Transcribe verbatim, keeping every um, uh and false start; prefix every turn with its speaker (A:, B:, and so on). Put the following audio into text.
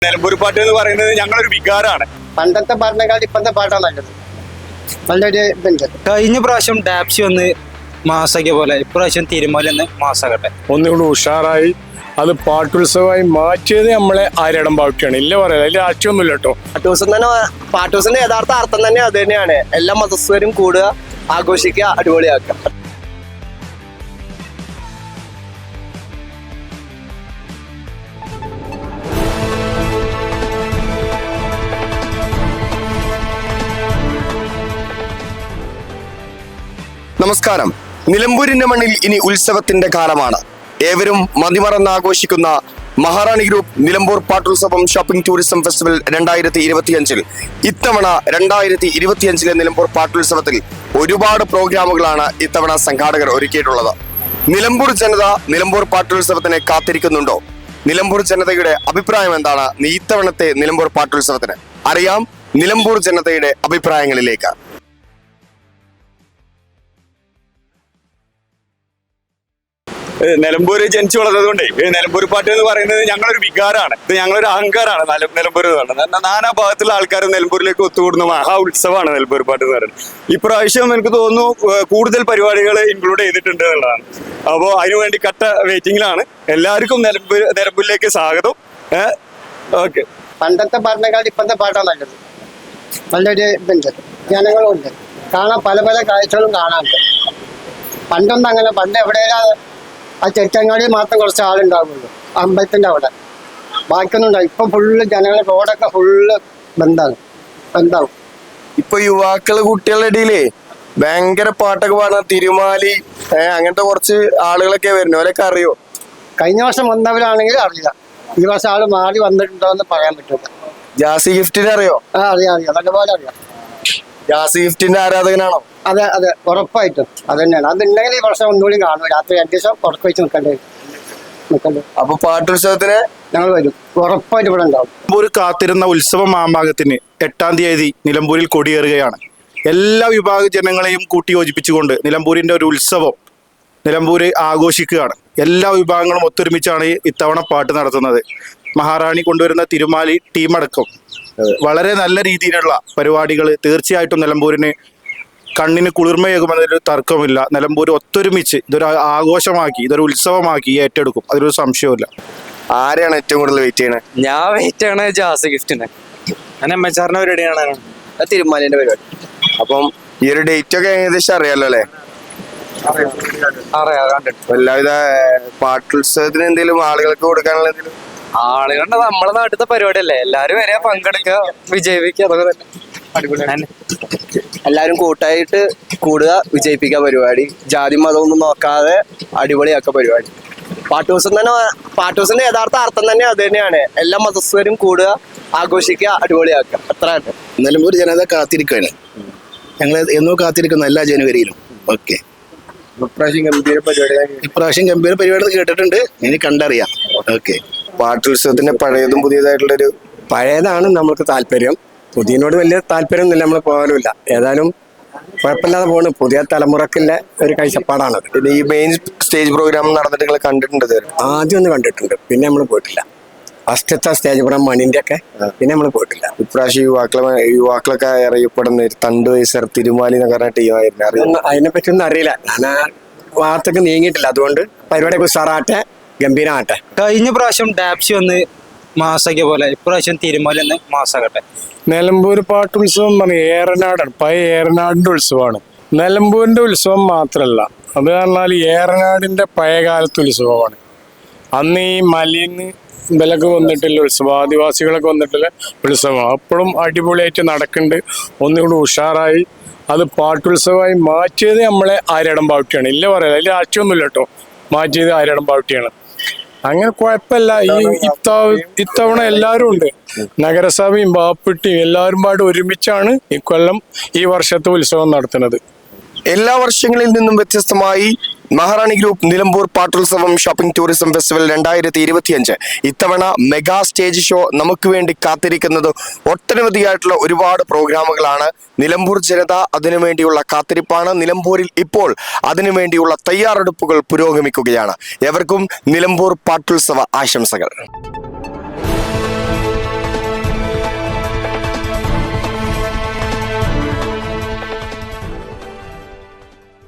A: നിലമ്പൂർ പാട്ട് എന്ന് പറയുന്നത് ഞങ്ങളൊരു വികാരമാണ്.
B: പണ്ടത്തെ പാട്ടിനേക്കാൾ ഇപ്പോഴത്തെ പാട്ടാണ് നല്ലത്. നല്ലൊരു ഇതുണ്ട്.
C: കഴിഞ്ഞ പ്രാവശ്യം ഡാപ്സി ഒന്ന് മാസാക്കിയ പോലെ ഇപ്രാവശ്യം തിരുമല ഒന്ന് മാസാകട്ടെ.
D: ഒന്നുകൂടി ഉഷാറായി അത് പാട്ടുത്സവമായി മാറ്റിയത് നമ്മളെ ആര്യടം പാട്ടിയാണ്. ഇല്ല പറയാം, അതിൽ രാഷ്ട്രീയമൊന്നുമില്ല കേട്ടോ.
B: പാട്ടൂസം തന്നെ പാട്ടൂസിന്റെ യഥാർത്ഥ അർത്ഥം തന്നെ അത് തന്നെയാണ്. എല്ലാ മതസ്ഥരും കൂടുക, ആഘോഷിക്കുക, അടിപൊളിയാക്കുക.
E: നമസ്കാരം. നിലമ്പൂരിന്റെ മണ്ണിൽ ഇനി ഉത്സവത്തിന്റെ കാലമാണ്. ഏവരും മതിമറന്ന് ആഘോഷിക്കുന്ന Maharani group Nilambur Pattulsavam shopping tourism festival രണ്ടായിരത്തി ഇരുപത്തിയഞ്ചിൽ ഇത്തവണ രണ്ടായിരത്തി ഇരുപത്തിയഞ്ചിലെ നിലമ്പൂർ പാട്ടുത്സവത്തിൽ ഒരുപാട് പ്രോഗ്രാമുകളാണ് ഇത്തവണ സംഘാടകർ ഒരുക്കിയിട്ടുള്ളത്. നിലമ്പൂർ ജനത നിലമ്പൂർ പാട്ടുത്സവത്തിനെ കാത്തിരിക്കുന്നുണ്ടോ? നിലമ്പൂർ ജനതയുടെ അഭിപ്രായം എന്താണ് ഇത്തവണത്തെ നിലമ്പൂർ പാട്ടുത്സവത്തിന്? അറിയാം നിലമ്പൂർ ജനതയുടെ അഭിപ്രായങ്ങളിലേക്ക്.
A: നിലമ്പൂര് ജനിച്ചു വളർന്നതുകൊണ്ടേ നിലമ്പൂർ പാട്ട് എന്ന് പറയുന്നത് ഞങ്ങളൊരു വികാരമാണ്. ഇത് ഞങ്ങളൊരു അഹങ്കാരമാണ്. നിലമ്പൂർ എന്ന് പറയുന്നത് നാനാ ഭാഗത്തുള്ള ആൾക്കാർ നിലമ്പൂരിലേക്ക് ഒത്തുകൂടുന്ന മഹാ ഉത്സവമാണ് നിലമ്പൂർ പാട്ട് എന്ന് പറയുന്നത്. ഇപ്രാവശ്യം എനിക്ക് തോന്നുന്നു കൂടുതൽ പരിപാടികൾ ഇൻക്ലൂഡ് ചെയ്തിട്ടുണ്ട് എന്നുള്ളതാണ്. അപ്പോൾ അതിനുവേണ്ടി കട്ട വെയിറ്റിംഗിലാണ്. എല്ലാവർക്കും നിലമ്പൂർ നിലമ്പൂരിലേക്ക് സ്വാഗതം. ഓക്കെ.
B: പണ്ടത്തെ പാട്ടിനേക്കാൾ ഇപ്പോഴത്തെ പാട്ടാണ് നല്ലത്. നല്ലൊരു ഇതുണ്ട്, ജനങ്ങളുണ്ട്, കാണാൻ പല പല കാഴ്ചകളും കാണാനുണ്ട്. പണ്ടൊന്നും അങ്ങനെ, പണ്ട് എവിടെയെല്ലാം ആ ചെറ്റങ്ങാടി മാത്രം കുറച്ച് ആളുണ്ടാവുള്ളൂ അമ്പലത്തിന്റെ അവിടെ, ബാക്കിയൊന്നും ഉണ്ടാവും. ഇപ്പൊ ഫുള്ള് ജനങ്ങളെ റോഡൊക്കെ ഫുള്ള് ബന്ധാണ് ബന്ധാവും.
E: ഇപ്പൊ യുവാക്കള് കുട്ടികളുടെ ഇടയിലേ ഭയങ്കര പാട്ടൊക്കെ പാടുന്ന തിരുമാലി അങ്ങനത്തെ കുറച്ച് ആളുകളൊക്കെ വരുന്നു. അവരൊക്കെ അറിയോ?
B: കഴിഞ്ഞ വർഷം വന്നവരാണെങ്കിൽ അറിയില്ല, ഈ വർഷം ആള് മാറി വന്നിട്ടുണ്ടോ എന്ന് പറയാൻ പറ്റില്ല.
E: ജാസി ഗിഫ്റ്റിനെ അറിയോ?
B: ആ അറിയാം അറിയാം നല്ലപോലെ അറിയാം.
E: ജാസി ഗിഫ്റ്റിന്റെ ആരാധകനാണോ?
B: അതെ അതെ ഉറപ്പായിട്ടും അത് തന്നെയാണ്. അതുണ്ടെങ്കിൽ ഈ വർഷം ഒന്നുകൂടി കാണും. രാത്രി അഞ്ച് ദിവസം പുറത്ത് വെച്ച് നിൽക്കേണ്ടി നിൽക്കണ്ടേ.
E: അപ്പൊ പാട്ടുത്സവത്തിന്
B: ഞങ്ങൾ വരും, ഉറപ്പായിട്ട് ഇവിടെ ഉണ്ടാവും.
F: നിലമ്പൂർ കാത്തിരുന്ന ഉത്സവ മാമാങ്കത്തിന് എട്ടാം തീയതി നിലമ്പൂരിൽ കൊടിയേറുകയാണ്. എല്ലാ വിഭാഗ ജനങ്ങളെയും കൂട്ടിയോജിപ്പിച്ചുകൊണ്ട് നിലമ്പൂരിന്റെ ഒരു ഉത്സവം നിലമ്പൂര് ആഘോഷിക്കുകയാണ്. എല്ലാ വിഭാഗങ്ങളും ഒത്തൊരുമിച്ചാണ് ഇത്തവണ പാട്ട് നടത്തുന്നത്. മഹാറാണി കൊണ്ടുവരുന്ന തിരുമാലി ടീമടക്കം വളരെ നല്ല രീതിയിലുള്ള പരിപാടികൾ തീർച്ചയായിട്ടും നിലമ്പൂരിന് കണ്ണിന് കുളിർമയേകുമെന്നൊരു തർക്കമില്ല. നിലമ്പൂർ ഒത്തൊരുമിച്ച് ഇതൊരു ആഘോഷമാക്കി ഇതൊരു ഉത്സവമാക്കി ഏറ്റെടുക്കും, അതിലൊരു സംശയമില്ല.
E: ആരെയാണ് ഏറ്റവും കൂടുതൽ വെയിറ്റ് ചെയ്യണത്?
C: ഞാൻ വെയിറ്റ് ആണ് ജാസ് ഗിഫ്റ്റിന്. ഞാൻ എം എച്ച് ആറിന്റെ പരിപാടിയാണ്
B: തിരുമാലിന്റെ പരിപാടി.
E: അപ്പം ഈ ഒരു ഡേറ്റ് ഒക്കെ ഏകദേശം അറിയാലോ അല്ലെ?
C: അറിയാം, കണ്ടിട്ട്.
E: എല്ലാവിധ പാട്ടുത്സവത്തിന് എന്തെങ്കിലും ആളുകൾക്ക് കൊടുക്കാനുള്ള എന്തെങ്കിലും?
C: ആളുകളുടെ നമ്മളെ നാട്ടിലത്തെ പരിപാടിയല്ലേ, എല്ലാരും വരെ പങ്കെടുക്കുക, വിജയിപ്പിക്കുക, അതൊക്കെ തന്നെ അടിപൊളിയാണ്.
B: എല്ലാവരും കൂട്ടായിട്ട് കൂടുക, വിജയിപ്പിക്കുക പരിപാടി. ജാതി മതമൊന്നും നോക്കാതെ അടിപൊളിയാക്കുക പരിപാടി. പാട്ടൂസം തന്നെ പാട്ടൂസിന്റെ യഥാർത്ഥ അർത്ഥം തന്നെ അത് തന്നെയാണ്. എല്ലാ മതസ്ഥരും കൂടുക, ആഘോഷിക്കുക, അടിപൊളിയാക്കുക. അത്ര തന്നെ.
G: നിലമ്പൂർ ജനത കാത്തിരിക്കുകയാണ്. ഞങ്ങൾ എന്നോ കാത്തിരിക്കുന്നു എല്ലാ ജനുവരിയിലും. ഓക്കെ.
E: ഇപ്രാവശ്യം ഗംഭീര പരിപാടി
G: ഇപ്രാവശ്യം ഗംഭീര പരിപാടി കേട്ടിട്ടുണ്ട്, ഇനി കണ്ടറിയാം. ഓക്കെ.
E: പാട്ടുത്സവത്തിന്റെ പഴയതും പുതിയതായിട്ടുള്ളൊരു
H: പഴയതാണ് നമ്മൾക്ക് താല്പര്യം. പുതിയനോട് വലിയ താല്പര്യമൊന്നുമില്ല, നമ്മൾ പോകാനുമില്ല. ഏതായാലും കുഴപ്പമില്ലാതെ പോണ്. പുതിയ തലമുറക്കുള്ള ഒരു കാഴ്ചപ്പാടാണത്.
E: പിന്നെ ഈ മെയിൻ സ്റ്റേജ് പ്രോഗ്രാം നടന്നിട്ട് നിങ്ങൾ കണ്ടിട്ടുണ്ട്?
H: ആദ്യം ഒന്ന് കണ്ടിട്ടുണ്ട്, പിന്നെ നമ്മൾ പോയിട്ടില്ല. ഫസ്റ്റത്തെ സ്റ്റേജ് പ്രോഗ്രാം മണിന്റെ ഒക്കെ, പിന്നെ നമ്മൾ പോയിട്ടില്ല.
E: ഇപ്രാവശ്യം യുവാക്കളെ യുവാക്കളൊക്കെ അറിയപ്പെടുന്ന തണ്ട് വയസ്സർ തിരുമാലി എന്ന് പറഞ്ഞ ടീമായിരുന്നു. അറിയാം?
H: അതിനെ പറ്റി ഒന്നും അറിയില്ല. ഞാൻ ആ വാർത്തക്ക് നീങ്ങിയിട്ടില്ല. അതുകൊണ്ട് പരിപാടിയൊക്കെ ഉഷാറാട്ടെ, ഗംഭീരമാട്ടെ.
C: കഴിഞ്ഞ പ്രാവശ്യം ഡാപ്സി ഒന്ന് മാസാക്കിയ പോലെ ഇപ്രാവശ്യം തിരുമല ഒന്ന് മാസാകട്ടെ.
D: നിലമ്പൂർ പാട്ടുത്സവം പറഞ്ഞ ഏറനാടാണ്, പഴയ ഏറനാടിന്റെ ഉത്സവമാണ്. നിലമ്പൂരിന്റെ ഉത്സവം മാത്രമല്ല, അത് പറഞ്ഞാൽ ഏറനാടിന്റെ പഴയകാലത്തെ ഉത്സവമാണ്. അന്ന് ഈ മലയിന്ന് ഇവലൊക്കെ വന്നിട്ടുള്ള ഉത്സവം, ആദിവാസികളൊക്കെ വന്നിട്ടുള്ള ഉത്സവം അപ്പോഴും അടിപൊളിയായിട്ട് നടക്കുന്നുണ്ട്. ഒന്നുകൂടി ഉഷാറായി അത് പാട്ടുത്സവമായി മാറ്റിയത് നമ്മളെ ആര്യടം പാട്ടിയാണ്. ഇല്ല പറയാം, അതിൽ രാഷ്ട്രീയമൊന്നുമില്ല കേട്ടോ. മാറ്റിയത് ആര്യടം പാട്ടിയാണ്. അങ്ങനെ കുഴപ്പമില്ല. ഈ ഇത്തവണ എല്ലാവരും ഉണ്ട്, നഗരസഭയും ബാപ്പിട്ടിയും എല്ലാവരും പാട് ഒരുമിച്ചാണ് ഇക്കൊല്ലം ഈ വർഷത്തെ ഉത്സവം നടത്തുന്നത്.
E: എല്ലാ വർഷങ്ങളിൽ നിന്നും വ്യത്യസ്തമായി Maharani group Nilambur Pattulsavam shopping tourism festival രണ്ടായിരത്തി ഇരുപത്തിയഞ്ച് ഇത്തവണ മെഗാ സ്റ്റേജ് ഷോ നമുക്ക് വേണ്ടി കാത്തിരിക്കുന്നത് ഒട്ടനവധിയായിട്ടുള്ള ഒരുപാട് പ്രോഗ്രാമുകളാണ്. നിലമ്പൂർ ജനത അതിനുവേണ്ടിയുള്ള കാത്തിരിപ്പാണ്. നിലമ്പൂരിൽ ഇപ്പോൾ അതിനുവേണ്ടിയുള്ള തയ്യാറെടുപ്പുകൾ പുരോഗമിക്കുകയാണ്. എവർക്കും നിലമ്പൂർ പാട്ടുത്സവ ആശംസകൾ.